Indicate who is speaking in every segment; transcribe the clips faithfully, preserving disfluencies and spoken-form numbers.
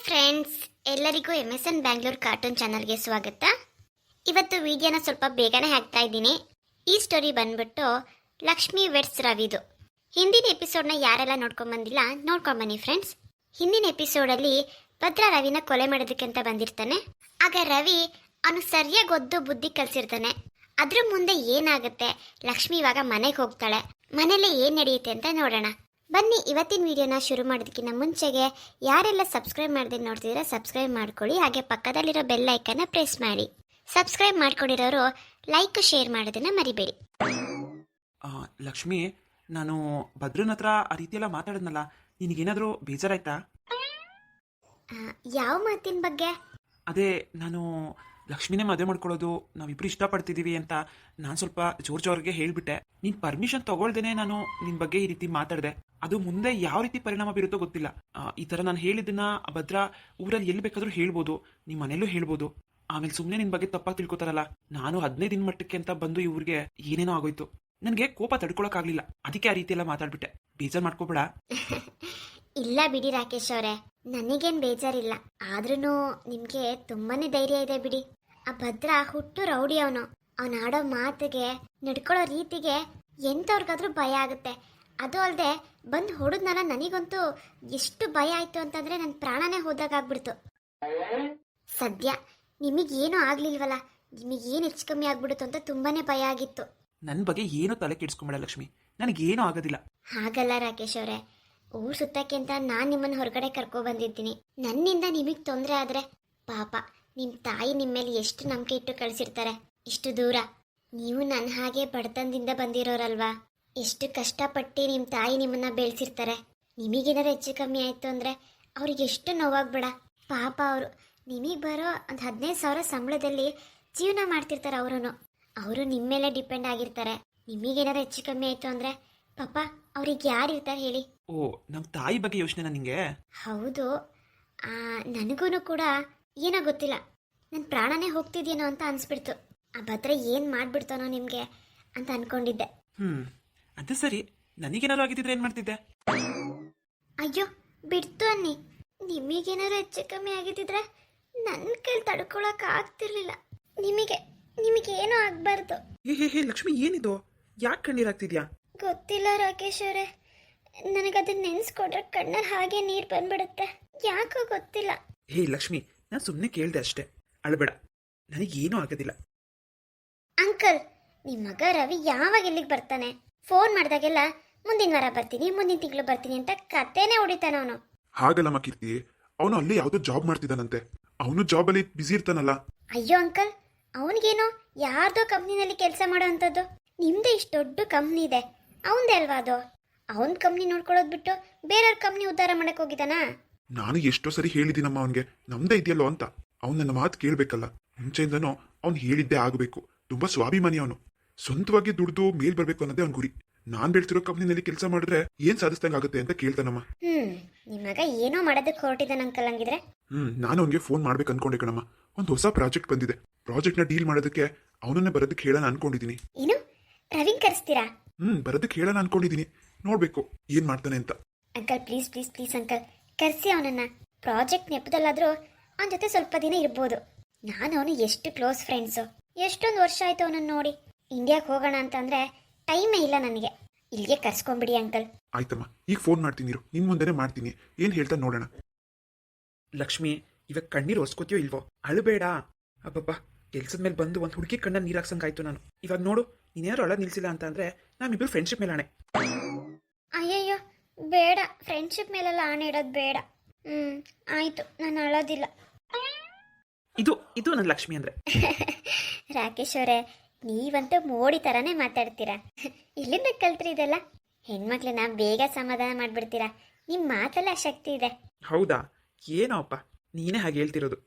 Speaker 1: Friends, ಎಲ್ಲರಿಗೂ M S N Bangalore cartoon ಚಾನಲ್ಗೆ ಸ್ವಾಗತ. ಇವತ್ತು ವಿಡಿಯೋನ ಸ್ವಲ್ಪ ಬೇಗನೆ ಹಾಕ್ತಾ ಇದ್ದೀನಿ. ಈ ಸ್ಟೋರಿ ಬಂದ್ಬಿಟ್ಟು ಲಕ್ಷ್ಮಿ ವೆಡ್ಸ್ ರವಿದು. ಹಿಂದಿನ ಎಪಿಸೋಡ್ನ ಯಾರೆಲ್ಲ ನೋಡ್ಕೊಂಬಂದಿಲ್ಲ ನೋಡ್ಕೊಂಬನ್ನಿ ಫ್ರೆಂಡ್ಸ್. ಹಿಂದಿನ ಎಪಿಸೋಡಲ್ಲಿ ಭದ್ರ ರವಿನ ಕೊಲೆ ಮಾಡೋದಕ್ಕೆ ಅಂತ ಬಂದಿರ್ತಾನೆ. ಆಗ ರವಿ ಅವನು ಸರಿಯಾಗಿ ಒದ್ದು ಬುದ್ಧಿ ಕಲಿಸಿರ್ತಾನೆ. ಅದ್ರ ಮುಂದೆ ಏನಾಗುತ್ತೆ, ಲಕ್ಷ್ಮಿ ಇವಾಗ ಮನೆಗೆ ಹೋಗ್ತಾಳೆ. ಮನೇಲಿ ಏನು ನಡೆಯುತ್ತೆ ಅಂತ ನೋಡೋಣ ಬನ್ನಿ. ಇವತ್ತಿನ ವಿಡಿಯೋನ ಶುರು ಮಾಡೋದಕ್ಕಿಂತ ಮುಂಚೆಗೆ ಯಾರೆಲ್ಲ ಸಬ್ಸ್ಕ್ರೈಬ್ ಮಾಡದೆ ನೋಡ್ತಿದ್ರೆ ಸಬ್ಸ್ಕ್ರೈಬ್ ಮಾಡ್ಕೊಳ್ಳಿ. ಹಾಗೆ ಪಕ್ಕದಲ್ಲಿರೋ ಬೆಲ್ ಐಕನ್ನ ಪ್ರೆಸ್ ಮಾಡಿ. ಸಬ್ಸ್ಕ್ರೈಬ್ ಮಾಡ್ಕೊಂಡಿರೋರು ಲೈಕ್ ಶೇರ್ ಮಾಡೋದನ್ನ ಮರಿಬೇಡಿ.
Speaker 2: ಲಕ್ಷ್ಮಿ, ನಾನು ಭದ್ರನ ಹತ್ರ ಆ ರೀತಿಯೆಲ್ಲ ಮಾತಾಡಿದ್ನಲ್ಲ, ನಿನಗೇನಾದರೂ ಬೇಜಾರಾಯ್ತಾ?
Speaker 1: ಯಾವ ಮಾತಿನ ಬಗ್ಗೆ?
Speaker 2: ಅದೇ, ನಾನು ಲಕ್ಷ್ಮಿನೇ ಮದುವೆ ಮಾಡ್ಕೊಳ್ಳೋದು ನಾವಿಬ್ರು ಇಷ್ಟಪಡ್ತಿದ್ದೀವಿ ಅಂತ ನಾನು ಸ್ವಲ್ಪ ಜೋರ್ ಜೋರ್ಗೆ ಹೇಳಿಬಿಟ್ಟೆ. ನೀನು ಪರ್ಮಿಷನ್ ತಗೊಳ್ದೇನೆ ನಾನು ನಿನ್ನ ಬಗ್ಗೆ ಈ ರೀತಿ ಮಾತಾಡಿದೆ. ಅದು ಮುಂದೆ ಯಾವ ರೀತಿ ಪರಿಣಾಮ ಬೀರುತ್ತೋ ಗೊತ್ತಿಲ್ಲ. ಈ ಥರ ನಾನು ಹೇಳಿದ್ದನ್ನ ಭದ್ರ ಊರಲ್ಲಿ ಎಲ್ಲಿ ಬೇಕಾದರೂ ಹೇಳ್ಬೋದು, ನಿಮ್ಮ ಮನೇಲೂ ಹೇಳ್ಬೋದು. ಆಮೇಲೆ ಸುಮ್ಮನೆ ನಿನ್ನ ಬಗ್ಗೆ ತಪ್ಪಾಗಿ ತಿಳ್ಕೊತಾರಲ್ಲ. ನಾನು ಹದಿನೈದು ದಿನ ಮಟ್ಟಕ್ಕೆ ಅಂತ ಬಂದು ಈ ಊರಿಗೆ ಏನೇನೋ ಆಗೋಯ್ತು. ನನಗೆ ಕೋಪ ತಡ್ಕೊಳಕ್ಕಾಗಲಿಲ್ಲ, ಅದಕ್ಕೆ ಆ ರೀತಿ ಎಲ್ಲ ಮಾತಾಡ್ಬಿಟ್ಟೆ. ಬೇಜಾರು ಮಾಡ್ಕೋಬೇಡ.
Speaker 1: ಇಲ್ಲ ಬಿಡಿ ರಾಕೇಶ್ ಅವರೇ, ನನಗೇನು ಬೇಜಾರಿಲ್ಲ. ಆದ್ರೂ ನಿಮಗೆ ತುಂಬಾನೇ ಧೈರ್ಯ ಇದೆ ಬಿಡಿ. ಆ ಭದ್ರ ಹುಟ್ಟು ರೌಡಿ. ಅವನು ಅವನು ಆಡೋ ಮಾತಿಗೆ, ನಡ್ಕೊಳ್ಳೋ ರೀತಿಗೆ ಎಂಥವ್ರಿಗಾದ್ರೂ ಭಯ ಆಗುತ್ತೆ. ಅದು ಅಲ್ಲದೆ ಬಂದು ಹೊಡೆದ್ನಲ್ಲ, ನನಗಂತೂ ಎಷ್ಟು ಭಯ ಆಯ್ತು ಅಂತಂದ್ರೆ ನನ್ನ ಪ್ರಾಣನೇ ಹೋದಾಗ್ಬಿಡ್ತು. ಸದ್ಯ ನಿಮಗೇನು ಆಗ್ಲಿಲ್ವಲ್ಲ, ನಿಮಗೇನು ಹೆಚ್ಚು ಕಮ್ಮಿ ಆಗ್ಬಿಡುತ್ತು ಅಂತ ತುಂಬಾನೇ ಭಯ ಆಗಿತ್ತು.
Speaker 2: ನನ್ನ ಬಗ್ಗೆ ಏನು ತಲೆ ಕೆಡಿಸ್ಕೊಂಬೇಡ ಲಕ್ಷ್ಮಿ, ನನಗೇನು ಆಗೋದಿಲ್ಲ.
Speaker 1: ಹಾಗಲ್ಲ ರಾಕೇಶ್ ಅವರೇ, ಊರ್ ಸುತ್ತಕ್ಕೆ ಅಂತ ನಾನು ನಿಮ್ಮನ್ನು ಹೊರಗಡೆ ಕರ್ಕೊ ಬಂದಿದ್ದೀನಿ. ನನ್ನಿಂದ ನಿಮಗೆ ತೊಂದರೆ ಆದ್ರೆ ಪಾಪ ನಿಮ್ಮ ತಾಯಿ ನಿಮ್ಮ ಮೇಲೆ ಎಷ್ಟು ನಂಬಿಕೆ ಇಟ್ಟು ಕಳಿಸಿರ್ತಾರೆ ಇಷ್ಟು ದೂರ. ನೀವು ನನ್ನ ಹಾಗೆ ಬಡತನದಿಂದ ಬಂದಿರೋರಲ್ವಾ, ಎಷ್ಟು ಕಷ್ಟಪಟ್ಟು ನಿಮ್ಮ ತಾಯಿ ನಿಮ್ಮನ್ನ ಬೆಳೆಸಿರ್ತಾರೆ. ನಿಮಗೇನಾದ್ರು ಹೆಚ್ಚು ಕಮ್ಮಿ ಆಯ್ತು ಅಂದ್ರೆ ಅವ್ರಿಗೆ ಎಷ್ಟು ನೋವಾಗ್ಬೇಡ. ಪಾಪ ಅವರು ನಿಮಗೆ ಬರೋ ಒಂದು ಹದಿನೈದು ಸಾವಿರ ಸಂಬಳದಲ್ಲಿ ಜೀವನ ಮಾಡ್ತಿರ್ತಾರೆ. ಅವರು ಅವರು ನಿಮ್ಮ ಮೇಲೆ ಡಿಪೆಂಡ್ ಆಗಿರ್ತಾರೆ. ನಿಮಗೇನಾದ್ರು ಹೆಚ್ಚು ಕಮ್ಮಿ ಆಯ್ತು ಅಂದ್ರೆ ಪಾಪ ಅವ್ರಿಗೆ ಯಾರು ಇರ್ತಾರೆ ಹೇಳಿ?
Speaker 2: ಓ, ನಮ್ಮ ತಾಯಿ ಬಗ್ಗೆ ಯೋಚನೆ ನಿಂಗೆ?
Speaker 1: ಹೌದು. ನನಗೂ ಕೂಡ ಏನೋ ಗೊತ್ತಿಲ್ಲ, ನನ್ನ ಪ್ರಾಣನೇ ಹೋಗ್ತಿದ್ಯೇನೋ ಅಂತ ಅನ್ಸ್ಬಿಡ್ತು. ಆ ಭದ್ರ ಏನು ಮಾಡ್ಬಿಡ್ತಾನೋ ನಿಮಗೆ ಅಂತ ಅನ್ಕೊಂಡಿದ್ದೆ.
Speaker 2: ಹ್ಮ್ ಅದು ಸರಿ, ನನಗೇನಾದ್ರು ಆಗಿದ್ದಿದ್ರೆ ಏನು ಮಾಡ್ತಿದ್ದೆ?
Speaker 1: ಅಯ್ಯೋ ಬಿಡ್ತು ಅನ್ನಿ. ನಿಮಗೇನಾದ್ರು ಹೆಚ್ಚು ಕಮ್ಮಿ ಆಗಿದ್ದಿದ್ರೆ ನನ್ನ ಕೈಲಿ ತಡ್ಕೊಳಕ್ ಆಗ್ತಿರ್ಲಿಲ್ಲ. ನಿಮಗೆ ನಿಮಗೆ ಏನೂ ಆಗ್ಬಾರ್ದು.
Speaker 2: ಹೇ ಹೇ ಹೇ ಲಕ್ಷ್ಮಿ, ಏನಿದು? ಯಾಕೆ ಕಣ್ಣೀರಾಗ್ತಿದ್ಯಾ?
Speaker 1: ಗೊತ್ತಿಲ್ಲ ರಾಕೇಶ್ ಅವರೇ, ನನಗದನ್ನ ನೆನ್ಸ್ಕೊಡ್ರೆ ಕಣ್ಣಲ್ಲಿ ಹಾಗೆ ನೀರು ಬಂದ್ಬಿಡುತ್ತೆ. ಯಾಕೋ ಗೊತ್ತಿಲ್ಲ.
Speaker 2: ಹೇ ಲಕ್ಷ್ಮಿ, ನಾನು ಸುಮ್ಮನೆ ಕೇಳಿದೆ ಅಷ್ಟೇ, ಅಳಬೇಡ, ನನಗೇನೂ ಆಗೋದಿಲ್ಲ.
Speaker 1: ಅಂಕಲ್, ನಿಮ್ಮ ಮಗ ರವಿ ಯಾವಾಗ ಇಲ್ಲಿಗೆ ಬರ್ತಾನೆ? ಫೋನ್ ಮಾಡಿದಾಗೆಲ್ಲ ಮುಂದಿನ ವಾರ ಬರ್ತೀನಿ, ಮುಂದಿನ ತಿಂಗಳು ಬರ್ತೀನಿ ಅಂತ ಕತೆನೇ ಹೊಡಿತಾನ ಅವನು.
Speaker 3: ಹಾಗಲ್ಲಮ್ಮ ಕೀರ್ತಿ, ಅವನು ಅಲ್ಲಿ ಯಾವುದೋ ಜಾಬ್ ಮಾಡ್ತಿದ್ದಾನಂತೆ. ಅವನು ಜಾಬಲ್ಲಿ ಬಿಸಿ ಇರ್ತಾನಲ್ಲ.
Speaker 1: ಅಯ್ಯೋ ಅಂಕಲ್, ಅವನಿಗೇನೋ ಯಾರ್ದೋ ಕಂಪ್ನಿನಲ್ಲಿ ಕೆಲಸ ಮಾಡೋ ಅಂಥದ್ದು. ನಿಮ್ದೇ ಇಷ್ಟು ದೊಡ್ಡ ಕಂಪ್ನಿ ಇದೆ, ಅವನದೇ ಅಲ್ವಾ ಅದು? ಅವನ ಕಂಪ್ನಿ ನೋಡ್ಕೊಳ್ಳೋದು ಬಿಟ್ಟು ಬೇರೆಯವ್ರ ಕಂಪ್ನಿ ಉದ್ಧಾರ ಮಾಡಕ್ ಹೋಗಿದ್ದಾನಾ?
Speaker 3: ನಾನು ಎಷ್ಟೋ ಸರಿ ಹೇಳಿದ್ದೀನಮ್ಮ ಅವನಿಗೆ, ನಮ್ದೇ ಇದೆಯಲ್ಲೋ ಅಂತ. ಅವ್ನು ನನ್ನ ಮಾತು ಕೇಳಬೇಕಲ್ಲ. ಮುಂಚೆಯಿಂದನೂ ಅವ್ನು ಹೇಳಿದ್ದೇ ಆಗಬೇಕು. ತುಂಬಾ ಸ್ವಾಭಿಮಾನಿ ಅವನು. ಸ್ವಂತವಾಗಿ ದುಡ್ದು ಮೇಲ್ ಬರ್ಬೇಕು ಅನ್ನೋದೇ ಅವ್ನ ಗುರಿ. ನಾನ್ ಬೆಳ್ತಿರೋ ಕಂಪ್ನಿನಲ್ಲಿ ಕೆಲಸ ಮಾಡಿದ್ರೆ ಏನ್ ಸಾಧಿಸ್ದಂಗ ಆಗುತ್ತೆ ಅಂತ ಕೇಳ್ತಾನಮ್ಮ.
Speaker 1: ಹ್ಮ್ ನಿಮ್ಮಗ ಏನೋ ಮಾಡೋದಕ್ಕೆ ಹೊರಟಿದ್ದಾನ ಅಂಕಲ್. ಹಂಗಿದ್ರೆ
Speaker 3: ಹ್ಮ್ ನಾನು ಅವನಿಗೆ ಫೋನ್ ಮಾಡ್ಬೇಕು ಅನ್ಕೊಂಡೆ ಕಣಮ್ಮ. ಒಂದು ಹೊಸ ಪ್ರಾಜೆಕ್ಟ್ ಬಂದಿದೆ. ಪ್ರಾಜೆಕ್ಟ್ ನ ಡೀಲ್ ಮಾಡೋದಕ್ಕೆ ಅವನನ್ನೇ ಬರೋದಕ್ಕೆ ಹೇಳೋಣ ಅನ್ಕೊಂಡಿದೀನಿ.
Speaker 1: ಏನು, ರವಿನ್ ಕರೆಸ್ತೀರಾ?
Speaker 3: ಹ್ಮ್ ಬರೋದಕ್ಕೆ ಹೇಳೋಣ ಅನ್ಕೊಂಡಿದೀನಿ. ನೋಡ್ಬೇಕು ಏನ್ ಮಾಡ್ತಾನೆ ಅಂತ.
Speaker 1: Uncle please please please uncle, ಕರೆಸಿ ಅವನನ್ನ. ಪ್ರಾಜೆಕ್ಟ್ ನೆಪದಲ್ಲಾದ್ರೂ ಅವನ ಜೊತೆ ಸ್ವಲ್ಪ ದಿನ ಇರ್ಬೋದು. ನಾನು ಅವನು ಎಷ್ಟು ಕ್ಲೋಸ್ ಫ್ರೆಂಡ್ಸು. ಎಷ್ಟೊಂದು ವರ್ಷ ಆಯ್ತು ಅವನನ್ನ ನೋಡಿ. ಇಂಡಿಯಾಕ್ಕೆ ಹೋಗೋಣ ಅಂತಂದ್ರೆ ಟೈಮೇ ಇಲ್ಲ ನನಗೆ. ಇಲ್ಲಿಗೆ ಕರ್ಸ್ಕೊಂಡ್ಬಿಡಿ ಅಂಕಲ್.
Speaker 3: ಆಯ್ತಮ್ಮ, ಈಗ ಫೋನ್ ಮಾಡ್ತೀನಿ, ನಿನ್ ಮುಂದೆನೆ ಮಾಡ್ತೀನಿ. ಏನ್ ಹೇಳ್ತಾ ನೋಡೋಣ.
Speaker 2: ಲಕ್ಷ್ಮಿ, ಇವಾಗ ಕಣ್ಣೀರು ಒಸ್ಕೋತೀಯೋ ಇಲ್ವೋ? ಅಳಬೇಡ. ಅಬ್ಬಬ್ಬ, ಕೆಲ್ಸದ ಮೇಲೆ ಬಂದು ಒಂದು ಹುಡುಗಿ ಕಣ್ಣ ನೀರು ಹಾಕ್ಸಂಗಾಯ್ತು ನಾನು. ಇವಾಗ ನೋಡು, ನೀನೇನಾದ್ರು ಅಳ ನಿಲ್ಸಿಲ್ಲ ಅಂತ ಅಂದ್ರೆ ನಾವಿಬ್ರು ಫ್ರೆಂಡ್ಶಿಪ್ ಮೇಲೆ ಆಣೆ.
Speaker 1: ಅಯ್ಯಯ್ಯೋ ಬೇಡ, ಫ್ರೆಂಡ್ಶಿಪ್ ಮೇಲೆಲ್ಲ ಆಣೆ ಇಡೋದು ಬೇಡ. ಹ್ಮ್ ಆಯ್ತು, ನಾನು ಅಳೋದಿಲ್ಲ.
Speaker 2: ಇದು ಇದು ನನ್ನ ಲಕ್ಷ್ಮಿ ಅಂದ್ರೆ.
Speaker 1: ರಾಕೇಶ್ ಅವರೇ, ನೀವಂತೂ ಮೋಡಿ ತರಾನೇ ಮಾತಾಡ್ತೀರಾ. ಇಲ್ಲಿಂದ ಕಲ್ತ್ರಿ ಇದೆಲ್ಲ? ಹೆಣ್ಮಕ್ಳನ್ನ ಬೇಗ ಸಮಾಧಾನ ಮಾಡ್ಬಿಡ್ತೀರಾ. ನಿಮ್ ಮಾತೆಲ್ಲ ಶಕ್ತಿ ಇದೆ.
Speaker 2: ಹೌದಾ? ಏನೋ ಅಪ್ಪ, ನೀನೇ ಹಾಗೆ ಹೇಳ್ತಿರೋದು.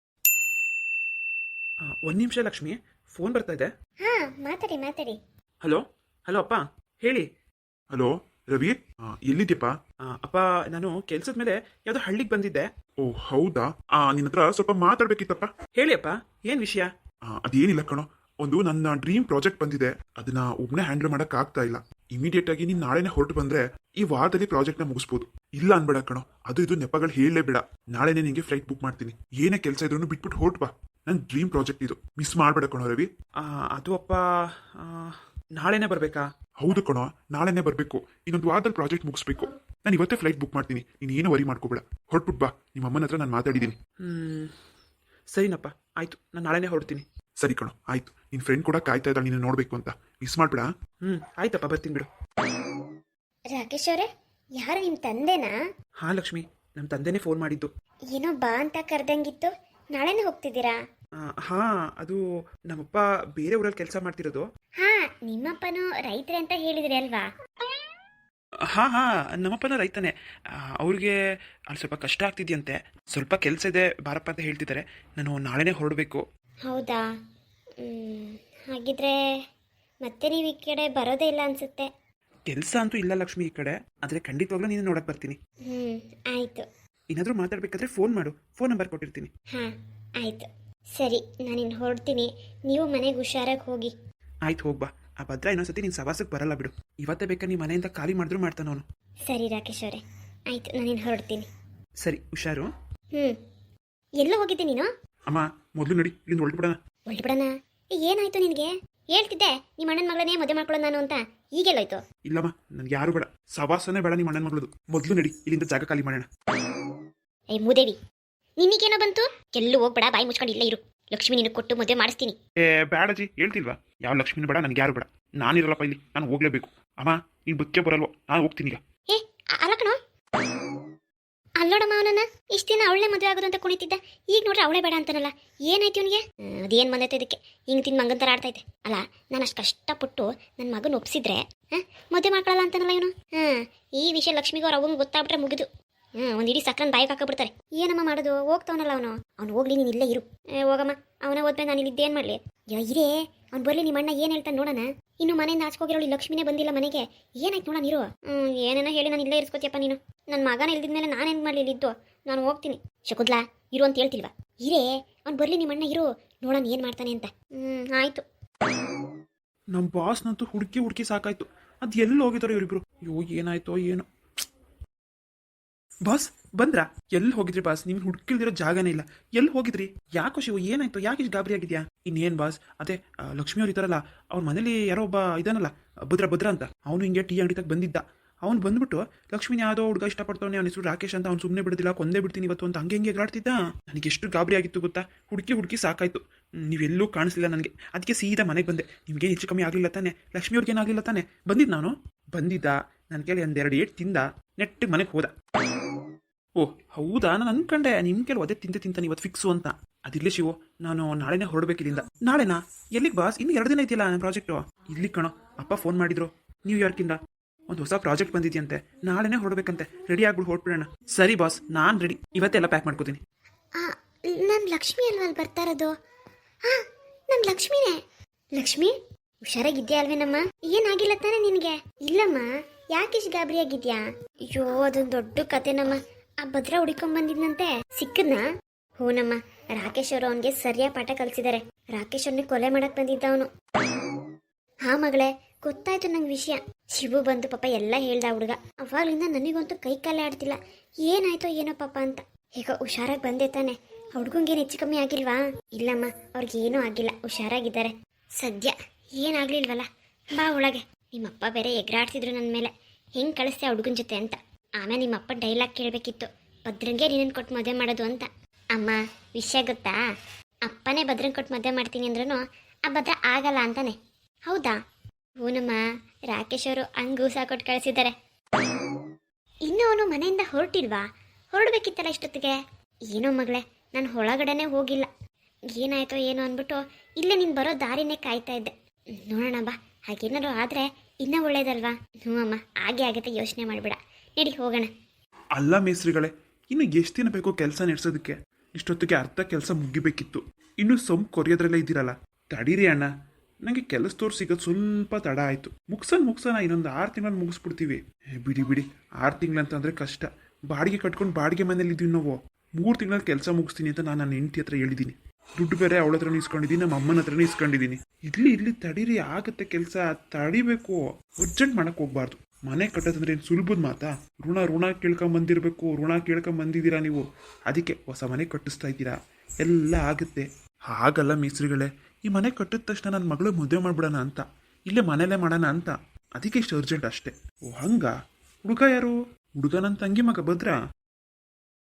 Speaker 2: ಒಂದ್ ನಿಮಿಷ ಲಕ್ಷ್ಮಿ, ಫೋನ್ ಬರ್ತಾ ಇದೆ.
Speaker 1: ಹಾ ಮಾತಾಡಿ ಮಾತಾಡಿ.
Speaker 2: ಹಲೋ ಹಲೋ ಅಪ್ಪ, ಹೇಳಿ.
Speaker 3: ಹಲೋ ರವಿ, ಎಲ್ಲಿದ್ಯಪ್ಪ?
Speaker 2: ಅಪ್ಪ, ನಾನು ಕೆಲ್ಸದ ಮೇಲೆ ಯಾವ್ದೋ ಹಳ್ಳಿಗೆ ಬಂದಿದ್ದೆ.
Speaker 3: ಓ ಹೌದಾ? ಆ ನಿನ್ನ ಹತ್ರ ಸ್ವಲ್ಪ ಮಾತಾಡ್ಬೇಕಿತ್ತಪ್ಪ.
Speaker 2: ಹೇಳಿ ಅಪ್ಪ, ಏನ್ ವಿಷಯ?
Speaker 3: ಅದೇನಿಲ್ಲ ಕಣೋ, ಒಂದು ನನ್ನ ಡ್ರೀಮ್ ಪ್ರಾಜೆಕ್ಟ್ ಬಂದಿದೆ, ಅದನ್ನ ಒಬ್ನೇ ಹ್ಯಾಂಡಲ್ ಮಾಡಕ್ ಆಗ್ತಾ ಇಲ್ಲ. ಇಮಿಡಿಯೇಟ್ ಆಗಿ ನೀನ್ ನಾಳೆನೆ ಹೊರಟು ಬಂದ್ರೆ ಈ ವಾರದಲ್ಲಿ ಪ್ರಾಜೆಕ್ಟ್ ನ ಮುಗಿಸ್ಬೋದು. ಇಲ್ಲ ಅನ್ಬೇಡ ಕಣೋ, ಅದು ಇದು ನೆಪಗಳು ಹೇಳಲೇ ಬೇಡ. ನಾಳೆನೆ ನಿಂಗೆ ಫ್ಲೈಟ್ ಬುಕ್ ಮಾಡ್ತೀನಿ. ಏನೇ ಕೆಲಸ ಇದ್ರು ಬಿಟ್ಬಿಟ್ಟು ಹೊರಟು ಬಾ. ನನ್ ಡ್ರೀಮ್ ಪ್ರಾಜೆಕ್ಟ್ ಇದು, ಮಿಸ್ ಮಾಡ್ಬೇಡ ಕಣೋ ರವಿ.
Speaker 2: ಆ, ಅದು ಅಪ್ಪ ಆ, ನಾಳೆನೇ ಬರ್ಬೇಕಾ?
Speaker 3: ಹೌದು ಕಣೋ, ನಾಳೆನೆ ಬರ್ಬೇಕು. ಇನ್ನೊಂದು ವಾರದಲ್ಲಿ ಪ್ರಾಜೆಕ್ಟ್ ಮುಗಿಸ್ಬೇಕು. ನಾನು ಇವತ್ತೇ ಫ್ಲೈಟ್ ಬುಕ್ ಮಾಡ್ತೀನಿ, ನೀನ್ ಏನು ವರಿ ಮಾಡ್ಕೋಬೇಡ. ಹೊರಟ್ಬಿಟ್ ಬಾ. ನಿಮ್ಮ ಅಮ್ಮನ ಹತ್ರ ನಾನು ಮಾತಾಡಿದ್ದೀನಿ.
Speaker 2: ಹ್ಮ್ ಸರಿನಪ್ಪ, ಆಯ್ತು, ನಾನು ನಾಳೆನೇ ಹೊರಡ್ತೀನಿ.
Speaker 3: ಸರಿ ಕಣೋ, ಆಯ್ತು. ನಿನ್ ಫ್ರೆಂಡ್ ಕೂಡ ಕಾಯ್ತಾ ಇದ್ದಾಳೆ ನೀನು ನೋಡ್ಬೇಕು ಅಂತ. ಮಿಸ್ ಮಾಡ್ಬೇಡ.
Speaker 2: ಹ್ಮ್ ಆಯ್ತಪ್ಪ, ಬರ್ತೀನಿ ಬಿಡು.
Speaker 1: ರಾಕೇಶ್ ಅವರೇ, ಯಾರು ನಿಮ್ಮ ತಂದೆನಾ?
Speaker 2: ಹಾ ಲಕ್ಷ್ಮಿ, ನಮ್ಮ ತಂದೆನೇ ಫೋನ್ ಮಾಡಿದ್ದು.
Speaker 1: ಏನೋ ಬಾ ಅಂತ ಕರೆದಂಗಿತ್ತು. ನಾಳೆನೇ ಹೋಗ್ತಿದ್ದೀರಾ?
Speaker 2: ಆ, ಹಾ, ಅದು ನಮ್ಮಪ್ಪ ಬೇರೆ ಊರಲ್ಲಿ ಕೆಲಸ ಮಾಡ್ತಿರೋದು.
Speaker 1: ಹಾ, ನಿಮ್ಮಪ್ಪನು ರೈತರೇ ಅಂತ ಹೇಳಿದ್ರಿ ಅಲ್ವಾ?
Speaker 2: ಹಾ ಹಾ ನಮ್ಮಪ್ಪನ ರೈತನೇ. ಅವ್ರಿಗೆ ಅಲ್ಲಿ ಸ್ವಲ್ಪ ಕಷ್ಟ ಆಗ್ತಿದ್ಯಂತೆ, ಸ್ವಲ್ಪ ಕೆಲಸ ಇದೆ ಬಾರಪ್ಪ ಅಂತ ಹೇಳ್ತಿದ್ದಾರೆ. ನಾನು ನಾಳೆನೇ ಹೊರಡಬೇಕು.
Speaker 1: ಹೌದಾ? ಮ್, ಹಾಗಿದ್ರೆ ಮತ್ತೆ ನೀವು ಈ ಕಡೆ ಬರೋದೇ ಇಲ್ಲ ಅನ್ಸುತ್ತೆ.
Speaker 2: ಕೆಲಸ ಅಂತೂ ಇಲ್ಲ ಲಕ್ಷ್ಮಿ ಈ ಕಡೆ, ಆದರೆ ಖಂಡಿತವಾಗ್ಲೂ ನೀನು ನೋಡಕ್ ಬರ್ತೀನಿ.
Speaker 1: ಹ್ಞೂ ಆಯಿತು.
Speaker 2: ಏನಾದರೂ ಮಾತಾಡ್ಬೇಕಾದ್ರೆ ಫೋನ್ ಮಾಡು, ಫೋನ್ ನಂಬರ್ ಕೊಟ್ಟಿರ್ತೀನಿ.
Speaker 1: ಹಾಂ ಆಯಿತು. ಸರಿ, ನಾನಿನ್ನು ಹೊರಡ್ತೀನಿ. ನೀವು ಮನೆಗೆ ಹುಷಾರಾಗಿ ಹೋಗಿ.
Speaker 2: ಆಯ್ತು, ಹೋಗ್ಬಾ. ಆ ಭದ್ರ ಇನ್ನೊಂದ್ಸತಿ ನೀನು ಸವಾಸಕ್ಕೆ ಬರಲ್ಲ ಬಿಡು. ಇವತ್ತೇ ಬೇಕಾ ನೀ ಮನೆಯಿಂದ ಖಾಲಿ ಮಾಡಿದ್ರು ಮಾಡ್ತಾನ ಅವನು.
Speaker 1: ಸರಿ ರಾಕೇಶ್ ಅವರೇ, ಆಯಿತು, ನಾನಿನ್ನು ಹೊರಡ್ತೀನಿ.
Speaker 2: ಸರಿ, ಹುಷಾರು.
Speaker 1: ಹ್ಞೂ ಎಲ್ಲ ಹೋಗಿದ್ದೆ ನೀನು?
Speaker 3: ಅಮ್ಮ, ಮೊದಲು ನಡಿ, ಇಲ್ಲಿಂದ ಹೊರಟ್ಬಿಡೋಣ.
Speaker 1: ಹೊರಟ್ಬಿಡೋಣ? ಏನಾಯ್ತು ನಿನಗೆ? ಹೇಳ್ತಿದ್ದೆ ನಿಮ್ಮ ಅಣ್ಣನ ಮಗಳನ್ನೇ ಮದುವೆ ಮಾಡ್ಕೊಳ್ಳೋದು ನಾನು ಅಂತ. ಈಗೆಲ್ಲೋಯ್ತು?
Speaker 3: ಇಲ್ಲಮ್ಮ, ನನ್ಗೆ ಯಾರು ಬೇಡ, ಸವಾಸನೇ ಬೇಡ ನಿಮ್ಮ ಅಣ್ಣನ ಮಗಳದು. ಮೊದಲು ನಡಿ, ಇಲ್ಲಿಂದ ಜಾಗ ಖಾಲಿ ಮಾಡೋಣ.
Speaker 1: ಏ ಮೂದೇವಿ, ನಿನಗೇನೋ ಬಂತು? ಎಲ್ಲೂ ಹೋಗ್ಬೇಡ, ಬಾಯಿ ಮುಚ್ಕೊಂಡು ಇಲ್ಲೇ ಇರು. ಲಕ್ಷ್ಮಿ ನಿನಗೆ ಕೊಟ್ಟು ಮದುವೆ ಮಾಡಿಸ್ತೀನಿ.
Speaker 3: ಏ ಬೇಡಜಿ, ಹೇಳ್ತಿಲ್ವಾ? ಯಾವ ಲಕ್ಷ್ಮಿನೂ ಬೇಡ, ನನ್ಗೆ ಯಾರು ಬೇಡ. ನಾನಿರಲ್ಲಪ್ಪ ಇಲ್ಲಿ, ನಾನು ಹೋಗ್ಲೇಬೇಕು. ಅಮ್ಮ, ನೀನು ಬದುಕೆ ಬರಲ್ವೋ? ನಾನು ಹೋಗ್ತೀನಿ ಈಗ.
Speaker 1: ಏ ಅ- ಅಲ್ಲ ಕಣೋ, ಅಲ್ಲೋಡಮ್ಮ ಅವನನ್ನ. ಇಷ್ಟು ದಿನ ಅವಳೇ ಮದುವೆ ಆಗೋದು ಅಂತ ಕುಣಿತಿದ್ದ, ಈಗ ನೋಡ್ರೆ ಅವಳೇ ಬೇಡ ಅಂತಾನಲ್ಲ. ಏನಾಯ್ತು ಇವನಿಗೆ? ಅದೇನು ಬಂದೈತೆ ಇದಕ್ಕೆ? ಹಿಂಗೆ ತಿಂದು ಮಂಗನ್ ಥರ ಆಡ್ತೈತೆ ಅಲ್ಲ. ನಾನು ಅಷ್ಟು ಕಷ್ಟಪಟ್ಟು ನನ್ನ ಮಗನ ಒಪ್ಸಿದ್ರೆ ಹಾಂ ಮದುವೆ ಮಾಡ್ಕೊಳ್ಳಲ್ಲ ಅಂತಾನಲ್ಲ ಇವನು. ಹಾಂ ಈ ವಿಷಯ ಲಕ್ಷ್ಮಿಗೂ ಅವ್ರ ಅವಂಗೆ ಗೊತ್ತಾಗ್ಬಿಟ್ರೆ ಮುಗಿದು. ಹ್ಞೂ ಒಂದು ಇಡೀ ಸಕ್ರನ್ ಬಾಯಿಗೆ ಹಾಕಬಿಡ್ತಾರೆ. ಏನಮ್ಮ ಮಾಡೋದು? ಹೋಗ್ತಾವನಲ್ಲ ಅವನು. ಅವ್ನು ಹೋಗ್ಲಿ, ನೀನು ಇಲ್ಲೇ ಇರು. ಏ ಹೋಗಮ್ಮ, ಅವನೇ ಹೋದ್ಮೇಲೆ ನಾನು ಇಲ್ಲಿದ್ದೇನು ಮಾಡಲಿ? ಯಾ ಇರೇ, ಅವ್ನು ಬರಲಿ, ನಿಮ್ಮ ಅಣ್ಣ ಏನು ಹೇಳ್ತಾನೆ ನೋಡೋಣ. ಇನ್ನು ಮನೆಯಿಂದ ಆಚ್ಕೋಗಿರೋಳು ಲಕ್ಷ್ಮಿನೇ ಬಂದಿಲ್ಲ ಮನೆಗೆ. ಏನಾಯ್ತು ನೋಡೋಣ ಇರು. ಹ್ಞೂ ಏನೇನೋ ಹೇಳಿ ನಾನು ಇಲ್ಲೇ ಇರಿಸ್ಕೋತಿಯಪ್ಪ ನೀನು. ನನ್ನ ಮಗನ ಇಲ್ದಿದ್ಮೇಲೆ ನಾನೇನು ಮಾಡಲಿ ಇಲ್ಲಿದ್ದು? ನಾನು ಹೋಗ್ತೀನಿ. ಶಕುಂತ್ಲಾ, ಇರು ಅಂತ ಹೇಳ್ತಿಲ್ವಾ? ಇರೇ, ಅವ್ನು ಬರಲಿ, ನಿಮ್ಮ ಅಣ್ಣ ಇರು, ನೋಡೋಣ ಏನು ಮಾಡ್ತಾನೆ ಅಂತ. ಹ್ಞೂ ಆಯಿತು.
Speaker 2: ನಮ್ಮ ಬಾಸ್ನಂತೂ ಹುಡುಕಿ ಹುಡುಕಿ ಸಾಕಾಯ್ತು. ಅದು ಎಲ್ಲಿ ಹೋಗಿದಾರೋ ಇವರಿಬ್ರು? ಅಯ್ಯೋ, ಏನಾಯ್ತೋ ಏನೋ. ಬಾಸ್ ಬಂದ್ರಾ? ಎಲ್ಲಿ ಹೋಗಿದ್ರಿ ಬಾಸ್? ನೀವು ಹುಡುಕಿಲ್ದಿರೋ ಜಾಗನೇ ಇಲ್ಲ. ಎಲ್ಲಿ ಹೋಗಿದ್ರಿ? ಯಾಕೋ ಶಿವು, ಏನಾಯ್ತು? ಯಾಕೆ ಇಷ್ಟು ಗಾಬರಿ ಆಗಿದ್ಯಾ? ಇನ್ನೇನು ಬಾಸ್, ಅದೇ ಲಕ್ಷ್ಮಿ ಅವ್ರು ಇದ್ದಾರಲ್ಲ, ಅವ್ರ ಮನೇಲಿ ಯಾರೋ ಒಬ್ಬ ಇದಾನಲ್ಲ, ಭದ್ರ ಭದ್ರ ಅಂತ, ಅವನು ಹಿಂಗೆ ಟೀ ಅಂಗಡಿ ತಗ ಬಂದಿದ್ದ. ಅವ್ನು ಬಂದ್ಬಿಟ್ಟು ಲಕ್ಷ್ಮಿನ ಯಾವುದೋ ಹುಡುಗ ಇಷ್ಟಪಡ್ತಾವನೆ, ಅವನ ಹೆಸರು ರಾಕೇಶ್ ಅಂತ, ಅವ್ನು ಸುಮ್ಮನೆ ಬಿಡೋದಿಲ್ಲ, ಕೊಂದೇ ಬಿಡ್ತೀನಿ ಇವತ್ತು ಅಂತ ಹಂಗೆ ಹಿಂಗೆ ಎಗರಾಡ್ತಿದ್ದ. ನನಗೆ ಎಷ್ಟು ಗಾಬರಿ ಆಗಿತ್ತು ಗೊತ್ತಾ? ಹುಡುಕಿ ಹುಡುಕಿ ಸಾಕಾಯ್ತು. ನೀವೆಲ್ಲೂ ಕಾಣಿಸ್ಲಿಲ್ಲ ನನಗೆ. ಅದಕ್ಕೆ ಸೀದಾ ಮನೆಗೆ ಬಂದೆ. ನಿಮ್ಗೆ ಹೆಚ್ಚು ಕಮ್ಮಿ ಆಗಲಿಲ್ಲ ತಾನೆ? ಲಕ್ಷ್ಮಿ ಅವ್ರಿಗೆ ಏನಾಗಲಿಲ್ಲ ತಾನೆ? ಬಂದಿದ್ದು ನಾನು ಬಂದಿದ್ದ ನನ್ನ ಕೇಳಿ ಒಂದೆರಡು ಏಟ್ ತಿಂದ ನೆಟ್ಟಿಗೆ ಮನೆಗೆ ಹೋದ. ಓಹ್ ಹೌದಾ, ನಾನು ಅನ್ಕೊಂಡೆ ನಿಮ್ಮ ಕೇಳಿ ಅದೇ ತಿಂತೆ ತಿಂತಾನೆ ಇವತ್ತು ಫಿಕ್ಸು ಅಂತ. ಅದಿರ್ಲಿ ಶಿವು, ನಾನು ನಾಳೆನೇ ಹೊರಡ್ಬೇಕಿಲ್ಲಿಂದ. ನಾಳೆನಾ? ಎಲ್ಲಿಗೆ ಬಾಸ್? ಇನ್ನು ಎರಡು ದಿನ ಐತಿಲ್ಲ ನನ್ನ ಪ್ರಾಜೆಕ್ಟು. ಇಲ್ಲಿ ಕಣೋ, ಅಪ್ಪ ಫೋನ್ ಮಾಡಿದ್ರು ನ್ಯೂಯಾರ್ಕಿಂದ. ಒಂದು ಹೊಸ ಪ್ರಾಜೆಕ್ಟ್ ಬಂದಿದೆಯಂತೆ, ನಾಳೆನೇ ಹೊರಡ್ಬೇಕಂತೆ. ರೆಡಿ ಆಗ್ಬಿಟ್ಟು ಹೊರಡ್ಬಿಡೋಣ. ಸರಿ ಬಾಸ್, ನಾನು ರೆಡಿ. ಇವತ್ತೆಲ್ಲ ಪ್ಯಾಕ್ ಮಾಡ್ಕೋತೀನಿ.
Speaker 1: ನನ್ನ ಲಕ್ಷ್ಮಿ ಅಲ್ವಾ ಅಲ್ಲಿ ಬರ್ತಾ ಇರೋದು? ಹಾಂ, ನನ್ನ ಲಕ್ಷ್ಮಿನೇ. ಲಕ್ಷ್ಮಿ, ಹುಷಾರಾಗಿದ್ಯಾ ಅಲ್ವೇನಮ್ಮ? ಏನಾಗಿಲ್ಲ ತಾನೆ ನಿನಗೆ? ಇಲ್ಲಮ್ಮ, ಯಾಕಿಷ್ಟು ಗಾಬರಿ ಆಗಿದ್ಯಾ? ಅಯ್ಯೋ, ಅದೊಂದು ದೊಡ್ಡ ಕತೆನಮ್ಮ. ಆ ಭದ್ರ ಹುಡುಕೊಂಡ್ ಬಂದಿದ್ನಂತೆ, ಸಿಕ್ಕದ್ನಾ? ಹೂನಮ್ಮ, ರಾಕೇಶ್ ಅವರು ಅವನಿಗೆ ಸರಿಯಾಗಿ ಪಾಠ ಕಲಿಸಿದ್ದಾರೆ. ರಾಕೇಶ್ ಅವ್ರನ್ನ ಕೊಲೆ ಮಾಡಕ್ ಬಂದಿದ್ದ ಅವನು. ಹಾ ಮಗಳೇ, ಗೊತ್ತಾಯ್ತು ನಂಗೆ ವಿಷಯ. ಶಿವು ಬಂದು ಪಾಪ ಎಲ್ಲ ಹೇಳ್ದ ಹುಡುಗ. ಅವಾಗ್ಲಿಂದ ನನಗಂತೂ ಕೈ ಕಾಲೇ ಆಡ್ತಿಲ್ಲ. ಏನಾಯ್ತೋ ಏನೋ ಪಾಪ ಅಂತ. ಈಗ ಹುಷಾರಾಗಿ ಬಂದೆ ತಾನೆ? ಹುಡುಗಂಗೇನು ಹೆಚ್ಚು ಕಮ್ಮಿ ಆಗಿಲ್ವಾ? ಇಲ್ಲಮ್ಮ, ಅವ್ರಿಗೇನೂ ಆಗಿಲ್ಲ, ಹುಷಾರಾಗಿದ್ದಾರೆ ಸದ್ಯ. ಏನಾಗ್ಲಿಲ್ವಲ್ಲ? ಬಾ ಒಳಗೆ. ನಿಮ್ಮಪ್ಪ ಬೇರೆ ಎಗರಾಡ್ತಿದ್ರು ನನ್ನ ಮೇಲೆ, ಹೆಂಗೆ ಕಳಿಸ್ತೆ ಆ ಹುಡುಗನ ಜೊತೆ ಅಂತ. ಆಮೇಲೆ ನಿಮ್ಮಪ್ಪ ಡೈಲಾಗ್ ಕೇಳಬೇಕಿತ್ತು, ಭದ್ರಂಗೆ ನೀನನ್ನು ಕೊಟ್ಟು ಮದುವೆ ಮಾಡೋದು ಅಂತ. ಅಮ್ಮ, ವಿಷಯ ಗೊತ್ತಾ? ಅಪ್ಪನೇ ಭದ್ರಂಗೆ ಕೊಟ್ಟು ಮದುವೆ ಮಾಡ್ತೀನಿ ಅಂದ್ರೂ ಆ ಭದ್ರ ಆಗಲ್ಲ ಅಂತಾನೆ. ಹೌದಾ? ಹೂನಮ್ಮ, ರಾಕೇಶ್ ಅವರು ಹಂಗೂ ಸಹ ಕೊಟ್ಟು ಕಳಿಸಿದ್ದಾರೆ. ಇನ್ನು ಅವನು ಮನೆಯಿಂದ ಹೊರಟಿಲ್ವಾ? ಹೊರಡ್ಬೇಕಿತ್ತಲ್ಲ ಇಷ್ಟೊತ್ತಿಗೆ. ಏನೋ ಮಗಳೇ, ನಾನು ಒಳಗಡೆನೆ ಹೋಗಿಲ್ಲ. ಏನಾಯ್ತೋ ಏನೋ ಅಂದ್ಬಿಟ್ಟು ಇಲ್ಲೇ ನೀನು ಬರೋ ದಾರಿನೇ ಕಾಯ್ತಾ ಇದ್ದೆ. ನೋಡೋಣ ಬಾ, ಹಾಗೇನಾದ್ರು ಆದರೆ ಇನ್ನೂ ಒಳ್ಳೇದಲ್ವಾ? ಹ್ಞೂ ಅಮ್ಮ, ಹಾಗೆ ಆಗುತ್ತೆ, ಯೋಚನೆ ಮಾಡಿಬಿಡ. ನಡಿ ಹೋಗೋಣ.
Speaker 3: ಅಲ್ಲ ಮೇಸ್ರಿಗಳೇ, ಇನ್ನು ಎಷ್ಟು ದಿನ ಬೇಕು ಕೆಲಸ ನಡೆಸೋದಕ್ಕೆ? ಇಷ್ಟೊತ್ತಿಗೆ ಅರ್ಧ ಕೆಲಸ ಮುಗಿಬೇಕಿತ್ತು. ಇನ್ನು ಸೊಂಪು ಕೊರಿಯೋದ್ರಲ್ಲೇ ಇದ್ದೀರಲ್ಲ. ತಡೀರಿ ಅಣ್ಣ, ನನಗೆ ಕೆಲಸದವ್ರು ಸಿಗೋದು ಸ್ವಲ್ಪ ತಡ ಆಯಿತು. ಮುಗ್ಸನ್ ಮುಗ್ಸೋಣ, ಇನ್ನೊಂದು ಆರು ತಿಂಗಳಲ್ಲಿ ಮುಗಿಸ್ಬಿಡ್ತೀವಿ. ಬಿಡಿ ಬಿಡಿ, ಆರು ತಿಂಗಳಂತಂದರೆ ಕಷ್ಟ. ಬಾಡಿಗೆ ಕಟ್ಕೊಂಡು ಬಾಡಿಗೆ ಮನೇಲಿ ಇದ್ದೀವಿ ನಾವು. ಮೂರು ತಿಂಗಳಲ್ಲಿ ಕೆಲಸ ಮುಗಿಸ್ತೀನಿ ಅಂತ ನಾನು ನನ್ನ ಹೆಂಡತಿ ಹತ್ರ ಹೇಳಿದ್ದೀನಿ. ದುಡ್ಡು ಬೇರೆ ಅವಳ ಹತ್ರನೂ ಇಸ್ಕೊಂಡಿದ್ದೀನಿ ನಮ್ಮ ಅಮ್ಮನ ಹತ್ರನೂ ಇಸ್ಕೊಂಡಿದ್ದೀನಿ. ಇರ್ಲಿ ಇರ್ಲಿ ತಡೀರಿ, ಆಗುತ್ತೆ ಕೆಲಸ, ತಡಿಬೇಕು. ಅರ್ಜೆಂಟ್ ಮಾಡಕ್ ಹೋಗ್ಬಾರ್ದು. ಮನೆ ಕಟ್ಟೋದಂದ್ರೆ ಏನು ಸುಲಭದ ಮಾತಾ? ಋಣ ಋಣ ಕೇಳ್ಕೊಂಬಂದಿರ್ಬೇಕು, ಋಣ ಕೇಳ್ಕೊಂಬಂದಿದ್ದೀರಾ ನೀವು, ಅದಕ್ಕೆ ಹೊಸ ಮನೆ ಕಟ್ಟಿಸ್ತಾ ಇದ್ದೀರಾ, ಎಲ್ಲ ಆಗುತ್ತೆ. ಹಾಗಲ್ಲ ಮೇಸ್ತ್ರಿಗಳೇ, ಈ ಮನೆ ಕಟ್ಟಿದ ತಕ್ಷಣ ನನ್ನ ಮಗಳು ಮದುವೆ ಮಾಡ್ಬಿಡೋಣ ಅಂತ, ಇಲ್ಲೇ ಮನೇಲೇ ಮಾಡೋಣ ಅಂತ, ಅದಕ್ಕೆ ಇಷ್ಟು ಅರ್ಜೆಂಟ್ ಅಷ್ಟೇ. ಓ ಹಂಗ? ಹುಡುಗ ಯಾರು? ಹುಡುಗ ನನ್ನ ತಂಗಿ ಮಗ ಭದ್ರ.